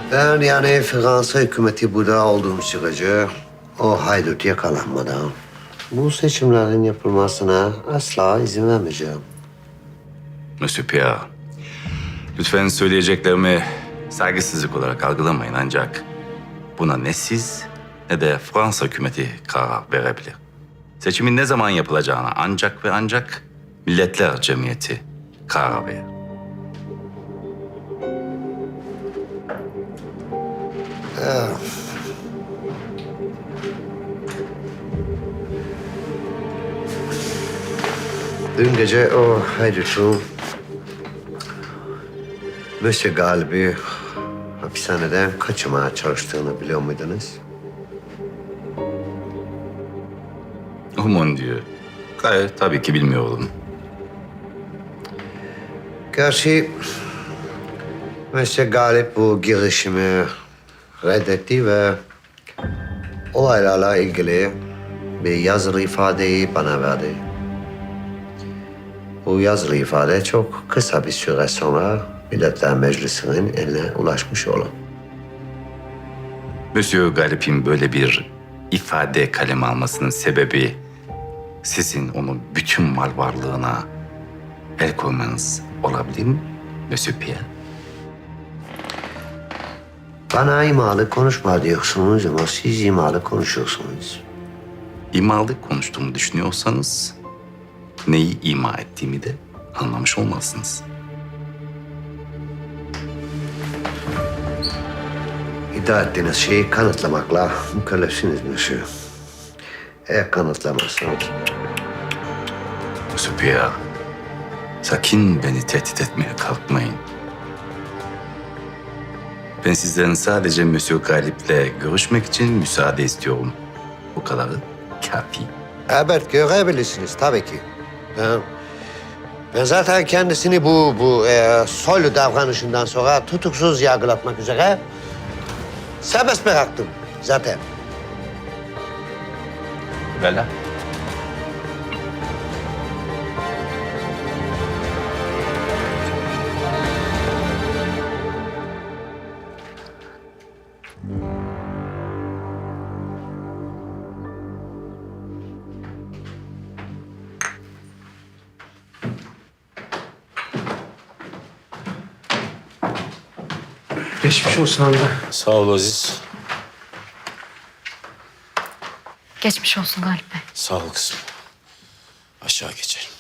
Ben yani Fransa hükümeti burada olduğum sürece o haydut yakalanmadan bu seçimlerin yapılmasına asla izin vermeyeceğim. Monsieur Pierre, lütfen söyleyeceklerimi saygısızlık olarak algılamayın ancak buna ne siz ne de Fransa hükümeti karar verebilir. Seçimin ne zaman yapılacağına ancak ve ancak Milletler Cemiyeti karar verir. Dün gece o haydutun Monsieur Galip'i hapishaneden kaçırmaya çalıştığını biliyor muydunuz? Oh mon Dieu. Gayet tabii ki bilmiyorum. Gerçi Monsieur Galip bu girişimi reddetti ve olaylarla ilgili bir yazılı ifadeyi bana verdi. Bu yazılı ifade çok kısa bir süre sonra Milletler Meclisi'nin eline ulaşmış olur. Monsieur Galip'in böyle bir ifade kaleme almasının sebebi sizin onun bütün mal varlığına el koymanız olabilir mi Monsieur Pierre? Bana imalı konuşma diyorsunuz ama siz imalı konuşuyorsunuz. İmalı konuştuğumu düşünüyorsanız neyi ima ettiğimi de anlamış olmalısınız. İddia ettiğiniz şeyi kanıtlamakla mükellefsiniz Monsieur. Eğer kanıtlamazsanız Monsieur Pierre, sakın beni tehdit etmeye kalkmayın. Ben sizden sadece Monsieur Galip'le görüşmek için müsaade istiyorum. Bu kadarı kafi. evet görebilirsiniz tabii ki. Ben zaten kendisini bu soylu davranışından sonra tutuksuz yargılatmak üzere serbest bıraktım zaten. Bella. Geçmiş olsun amca. Sağ ol Aziz. Geçmiş olsun Galip Bey. Sağ ol kızım. Aşağı geçelim.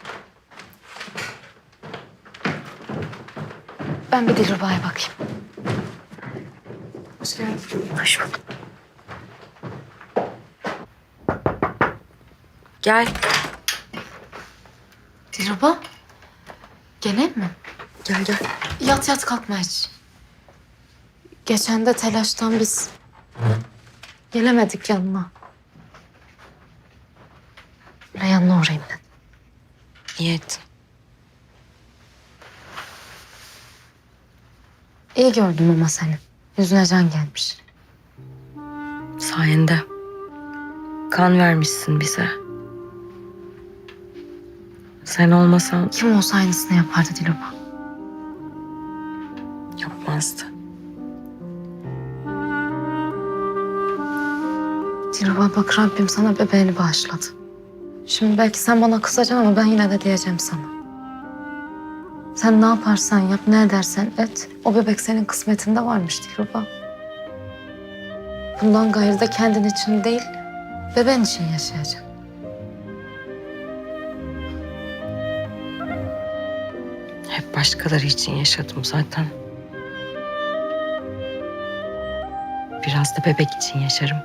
Ben bir Dilruba'ya bakayım. Hoş geldin. Hoş bulduk. Gel. Dilruba. Gene mi? Gel gel. Yat yat kalkma hiç. Geçen de telaştan biz gelemedik yanına. Böyle yanına uğrayayım dedim. İyi ettin. İyi gördüm ama seni. Yüzüne can gelmiş. Sayende. Kan vermişsin bize. Sen olmasan Kim olsa aynısını yapardı Dilruba. yapmazdı. Dilruba bak Rabbim sana bebeğini bağışladı. Şimdi belki sen bana kızacaksın ama ben yine de diyeceğim sana. Sen ne yaparsan yap, ne edersen et. O bebek senin kısmetinde varmış Dilruba. Bundan gayrı da kendin için değil, bebeğin için yaşayacaksın. Hep başkaları için yaşadım zaten. Biraz da bebek için yaşarım.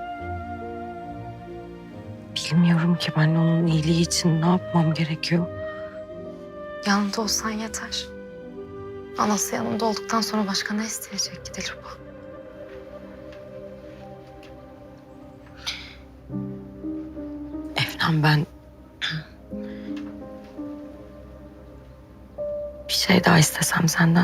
Bilmiyorum ki ben onun iyiliği için ne yapmam gerekiyor. Yanında olsan yeter. Anası yanında olduktan sonra başka ne isteyecek ki Dilruba? Efnan ben... bir şey daha istesem senden.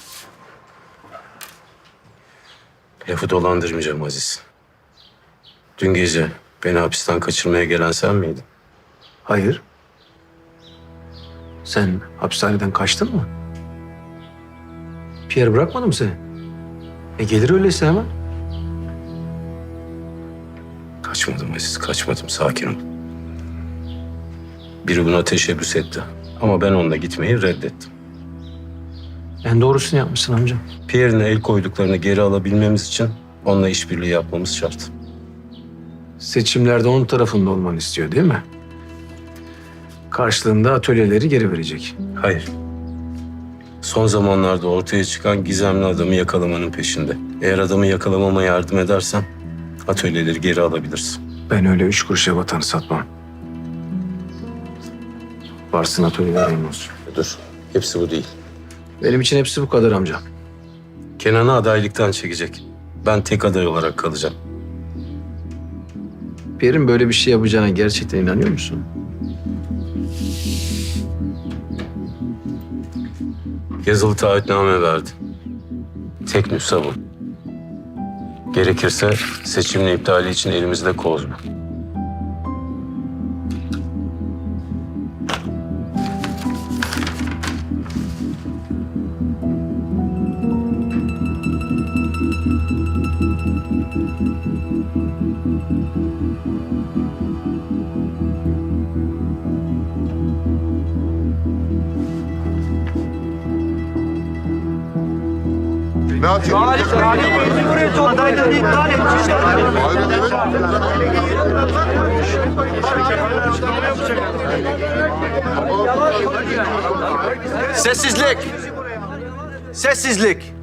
Lafı dolandırmayacağım Aziz. Dün gece beni hapisten kaçırmaya gelen sen miydin? Hayır. Sen hapishaneden kaçtın mı? Pierre bırakmadı mı seni? Gelir öyleyse hemen. Kaçmadım Aziz, kaçmadım. Sakin ol. Biri buna teşebbüs etti. Ama ben onunla gitmeyi reddettim. En doğrusunu yapmışsın amcam. Pierre'in el koyduklarını geri alabilmemiz için onunla işbirliği yapmamız şart. Seçimlerde onun tarafında olmanı istiyor değil mi? Karşılığında atölyeleri geri verecek. Hayır. Son zamanlarda ortaya çıkan gizemli adamı yakalamanın peşinde. Eğer adamı yakalamama yardım edersen atölyeleri geri alabilirsin. Ben öyle 3 kuruşa vatanı satmam. Varsın atölyelerin olsun. Dur, hepsi bu değil. Benim için hepsi bu kadar amcam. Kenan'ı adaylıktan çekecek. Ben tek aday olarak kalacağım. Pierre'in böyle bir şey yapacağına gerçekten inanıyor musun? Yazılı taahhütname verdi. Tek nüsha bu. Gerekirse seçimin iptali için elimizde koz bu. Ne atayım? Sessizlik! Sessizlik!